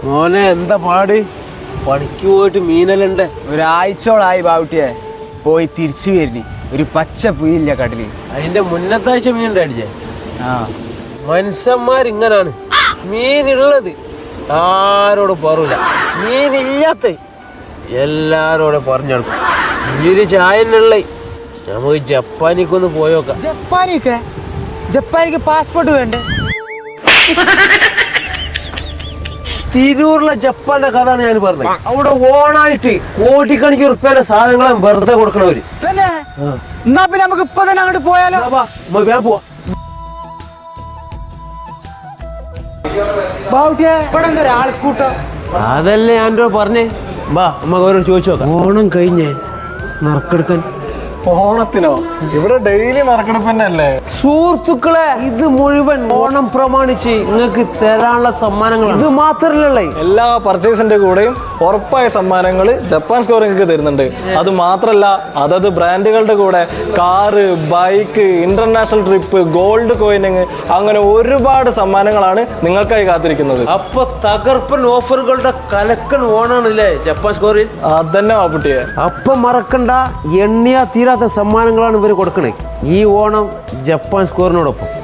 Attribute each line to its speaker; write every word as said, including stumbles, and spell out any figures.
Speaker 1: മോനെ എന്താ പാട്? പണിക്ക് പോയിട്ട് മീനലുണ്ട്.
Speaker 2: ഒരാഴ്ചയോളായി ബാവുട്ടിയെ പോയി തിരിച്ചു വരുന്നു. ഒരു പച്ച പുയില്ല കടലിൽ.
Speaker 1: അതിന്റെ മുന്നത്താഴ്ച മീൻ ഉണ്ടായില്ലേ?
Speaker 2: ആ
Speaker 1: മനുഷ്യന്മാരിങ്ങനാണ്. മീനുള്ളത് ആരോട് പറൂല, മീനില്ലാത്ത എല്ലാരോടും പറഞ്ഞെടുക്കും. മീന് ചായനുള്ള നമുക്ക് ജപ്പാനിക്കൊന്ന് പോയോക്കാം.
Speaker 2: ജപ്പാനിക്ക് ജപ്പാനിക്ക് പാസ്പോർട്ട് വേണ്ടേ?
Speaker 1: തിരൂരിലെ ജപ്പാന്റെ കഥയാണ് ഞാൻ പറഞ്ഞത്. അവിടെ ഓണായിട്ട് കോടിക്കണക്കിന് ഉറുപ്പ്യയുടെ സാധനങ്ങളെ വെറുതെ കൊടുക്കണവര്.
Speaker 2: എന്നാ പിന്നെ നമുക്ക് ഇപ്പൊ തന്നെ അങ്ങോട്ട് പോയാലോ?
Speaker 1: പോവാ.
Speaker 2: ബാവുട്ടിയെ ഇവിടെ എന്താ ഒരാൾ കൂട്ടം?
Speaker 1: അതല്ലേ ഞാൻ പറഞ്ഞേ. ബാ നമുക്ക് അവരോട് ചോദിച്ചു നോക്കാം. ഓണം കഴിഞ്ഞേ നറുക്കെടുക്കാൻ.
Speaker 3: ഓണത്തിനോ? ഇവിടെ ഡെയിലി നറുക്കെടുപ്പ് തന്നെ അല്ലേ?
Speaker 1: സുഹൃത്തുക്കളെ, ഇത് മുഴുവൻ ഓണം പ്രമാണിച്ച് നിങ്ങൾക്ക് തരാനുള്ള സമ്മാനങ്ങൾ. ഇത് മാത്രല്ലേ,
Speaker 3: എല്ലാ പർച്ചേസിന്റെ കൂടെയും ഉറപ്പായ സമ്മാനങ്ങൾ ജപ്പാൻ സ്കോർ നിങ്ങൾക്ക് തരുന്നുണ്ട്. അത് മാത്രല്ല, അതത് ബ്രാൻഡുകളുടെ കൂടെ car, bike, international trip, gold coining, അങ്ങനെ ഒരുപാട് സമ്മാനങ്ങളാണ് നിങ്ങൾക്കായി കാത്തിരിക്കുന്നത്.
Speaker 1: അപ്പൊ തകർപ്പൻ ഓഫറുകളുടെ കലക്കൻ ഓണാണല്ലേ ജപ്പാൻ സ്കോറിൽ.
Speaker 3: അതന്നെ വാപ്പുട്ടിയെ.
Speaker 1: അപ്പൊ മറക്കണ്ട, എണ്ണിയാ തീരാത്ത സമ്മാനങ്ങളാണ് ഇവർ കൊടുക്കണേ ഈ ഓണം ജപ്പാൻ സ്കോറിനോടൊപ്പം.